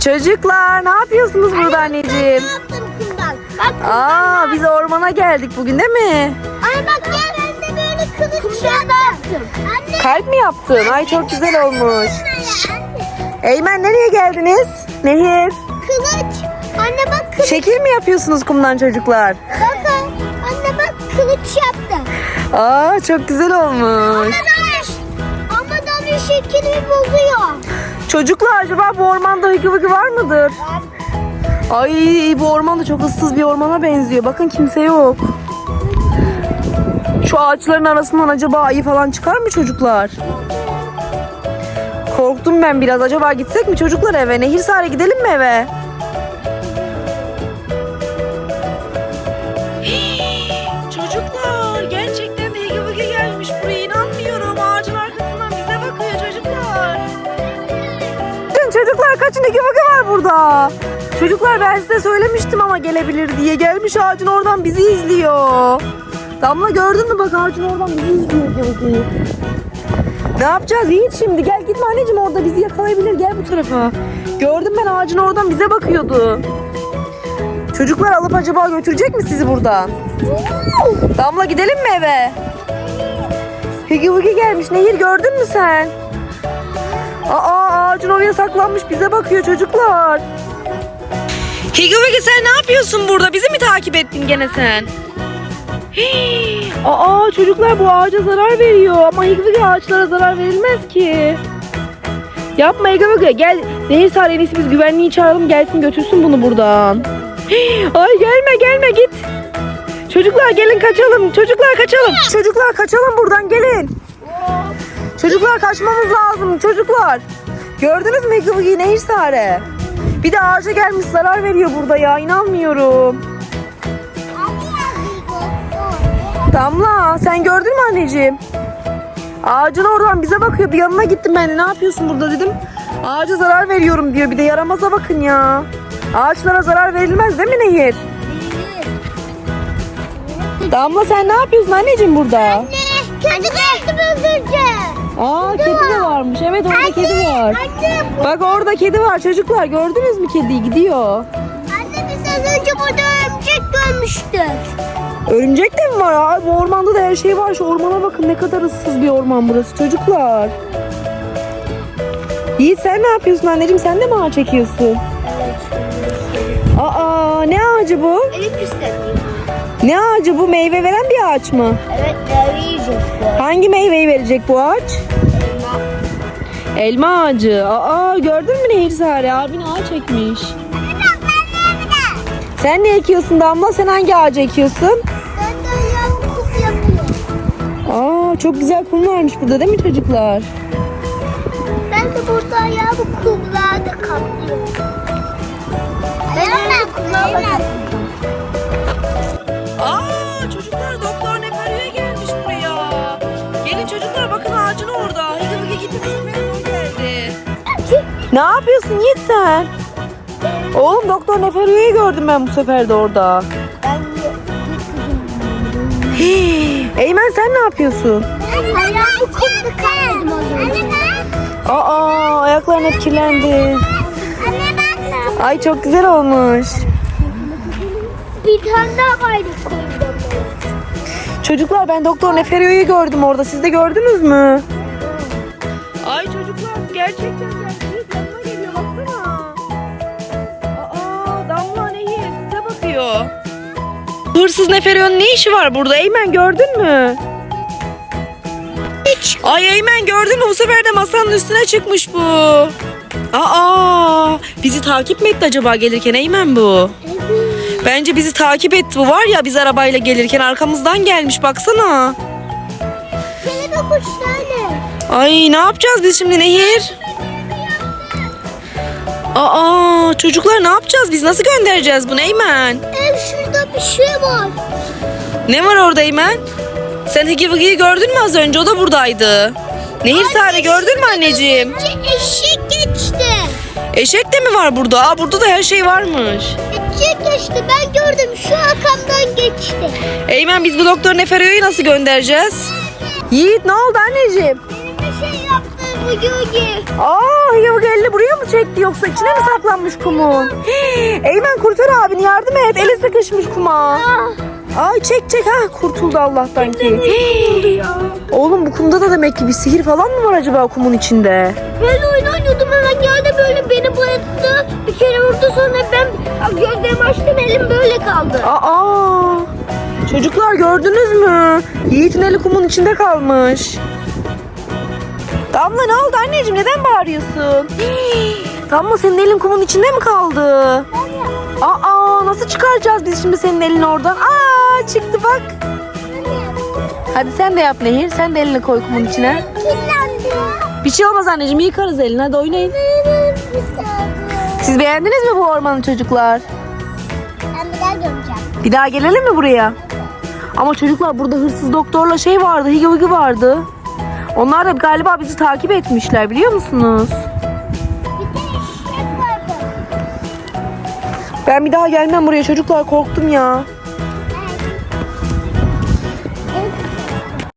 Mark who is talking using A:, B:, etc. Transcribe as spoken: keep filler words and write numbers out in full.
A: Çocuklar ne yapıyorsunuz burada anneciğim?
B: Ne yaptım kumdan? Bak,
A: Aa biz ormana geldik bugün değil mi?
B: Anne bak gel, ben de böyle kılıç yaptım. Anne.
A: Kalp mi yaptın? Ay çok güzel olmuş.
B: Anne.
A: Eymen nereye geldiniz? Nehir.
B: Kılıç. Anne bak kılıç.
A: Şekil mi yapıyorsunuz kumdan çocuklar?
B: Bakın. Anne bak kılıç yaptım.
A: Aa çok güzel olmuş.
B: Ama da bir şekilmi bozuyor.
A: Çocuklar acaba bu ormanda hıkı vıkı var mıdır? Ay bu orman da çok ıssız bir ormana benziyor. Bakın kimse yok. Şu ağaçların arasından acaba ayı falan çıkar mı çocuklar? Korktum ben biraz. Acaba gitsek mi çocuklar eve? Nehirsare gidelim mi eve? Çocuklar gerçekten de hıkı vıkı gelmiş buraya. İnanmıyorum. Ağacın arkasından bize bakıyor çocuklar. Çocuklar kaçın, hıkı vıkı var burada. Çocuklar ben size söylemiştim ama gelebilir diye. Gelmiş ağacın oradan bizi izliyor. Damla gördün mü bak ağacın oradan bizi izliyor hıkı vıkıyı. Ne yapacağız Yiğit şimdi? Gel gitme anneciğim, orada bizi yakalayabilir. Gel bu tarafa. Gördüm ben ağacın oradan bize bakıyordu. Çocuklar alıp acaba götürecek mi sizi buradan? Damla gidelim mi eve? Hıkı vıkı gelmiş. Nehir gördün mü sen? Aa ağacın oraya saklanmış bize bakıyor çocuklar. Hıkı vıkı sen ne yapıyorsun burada? Bizi mi takip ettin gene sen? Hii. Aa çocuklar bu ağaca zarar veriyor ama hıkı vıkı ağaçlara zarar verilmez ki. Yapma hıkı vıkı, gel Nehirsare, en iyisi biz güvenliği çağıralım gelsin götürsün bunu buradan. Hii. Ay gelme gelme git. Çocuklar gelin kaçalım, çocuklar kaçalım. Çocuklar kaçalım buradan, gelin. Çocuklar kaçmamız lazım çocuklar. Gördünüz mü hıkı vıkıyı Nehirsare? Bir de ağaca gelmiş zarar veriyor burada ya, inanmıyorum. Damla sen gördün mü anneciğim? Ağacın oradan bize bakıyordu, yanına gittim ben de, ne yapıyorsun burada dedim. Ağaca zarar veriyorum diyor, bir de yaramaza bakın ya. Ağaçlara zarar verilmez değil mi Nehir? Damla sen ne yapıyorsun anneciğim burada?
B: Anne, kedi geldi özürce.
A: Aa kedi de varmış, evet orada
B: Anne,
A: kedi var.
B: Anne,
A: Bak orada kedi var çocuklar, gördünüz mü kediyi, gidiyor.
B: anne biz az önce burada örümcek görmüştük.
A: Örümcek de mi var? Aa, bu ormanda da her şey var. Şu ormana bakın, ne kadar ıssız bir orman burası çocuklar. Yiğit sen ne yapıyorsun anneciğim? Sen de mi ağaç çekiyorsun? Aa ne ağacı bu?
B: Elif istemiyor.
A: Ne ağacı bu? Meyve veren bir ağaç mı?
B: Evet, meyve yiyeceğiz bu.
A: Hangi meyveyi verecek bu ağaç?
B: Elma.
A: Elma ağacı. Aa gördün mü Nehirsare? Abin ağaç ekmiş. Sen ne ekiyorsun Damla? Sen hangi ağacı ekiyorsun?
B: Ben de ayağımı kum yapıyorum.
A: Aa çok güzel kum varmış burada değil mi çocuklar?
B: Ben de burada ayağımı kumlarda kaplıyorum. Ben de kumlarda.
A: Aa çocuklar, doktor Neferyo'ya gelmiş buraya. Gelin çocuklar, bakın ağacın orada. Hıkı vıkı gitti, Neferyo geldi. Ne yapıyorsun Yiğit sen? Oğlum doktor Neferyo'yu gördüm ben bu sefer de orada.
B: Ben de
A: Hii, Eymen sen ne yapıyorsun?
B: ayağımı kumda kaydım az önce.
A: Aa ayakların hep kirlendi.
B: Anne bak.
A: Ay çok güzel olmuş.
B: Bir tane daha vardı kumda.
A: Çocuklar ben doktor Neferyo'yu gördüm orada. Siz de gördünüz mü? Ay çocuklar gerçekten gerçek yanına geliyor, baksana. Aa Damla Nehir size bakıyor. Hırsız Neferyo'nun ne işi var burada? Eymen gördün mü?
B: Hiç.
A: Ay Eymen gördün mü? Bu sefer de masanın üstüne çıkmış bu. Aa bizi takip mi etti acaba gelirken Eymen bu? Bence bizi takip etti bu, var ya, biz arabayla gelirken arkamızdan gelmiş, baksana.
B: Kelebek uçlarla.
A: Ay ne yapacağız biz şimdi Nehir? Aa çocuklar ne yapacağız biz, nasıl göndereceğiz bunu Eymen?
B: Ev şurada bir şey var.
A: Ne var orada Eymen? Sen Hıkı Vıkı'yı gördün mü az önce, o da buradaydı. Nehirsare gördün mü anneciğim?
B: Eşek geçti.
A: Eşek de mi var burada? Aa burada da her şey varmış.
B: Eşek geçti, ben gördüm, şu arkamdan geçti.
A: Eymen biz bu doktor Neferyo'yu nasıl göndereceğiz? Yiğit ne oldu anneciğim?
B: Benim bir şey yaptığım Hugi Hugi.
A: Aa, Hıyavuk elini buraya mı çekti yoksa içine mi saklanmış kumun? Hii, Eymen kurtar abini, yardım et. Eli sıkışmış kuma. Ay çek çek, ha kurtuldu Allah'tan ki. Hii, Oğlum bu kumda da demek ki bir sihir falan mı var acaba kumun içinde?
B: Ben oyun oynuyordum, hemen geldi böyle beni bayılttı. Bir kere vurdu, sonra ben gözlerimi açtım, elim böyle kaldı.
A: Aa, çocuklar gördünüz mü? Yiğit'in eli kumun içinde kalmış. Damla ne oldu anneciğim, neden bağırıyorsun? Hii, Damla senin elin kumun içinde mi kaldı? Aa, nasıl çıkaracağız biz şimdi senin elini oradan? Aa, çıktı bak. Hadi sen de yap Nehir, sen de elini koy kumun içine.
B: Kirlendi.
A: Bir şey olmaz anneciğim, yıkarız elini, hadi oynayın. Siz beğendiniz mi bu ormanı çocuklar?
B: Ben bir daha göreceğim.
A: Bir daha gelelim mi buraya? Ama çocuklar burada hırsız doktorla şey vardı, Higi Vigi vardı. Onlar da galiba bizi takip etmişler, biliyor musunuz?
B: Bir de eşek vardı.
A: Ben bir daha gelmem buraya çocuklar, korktum ya.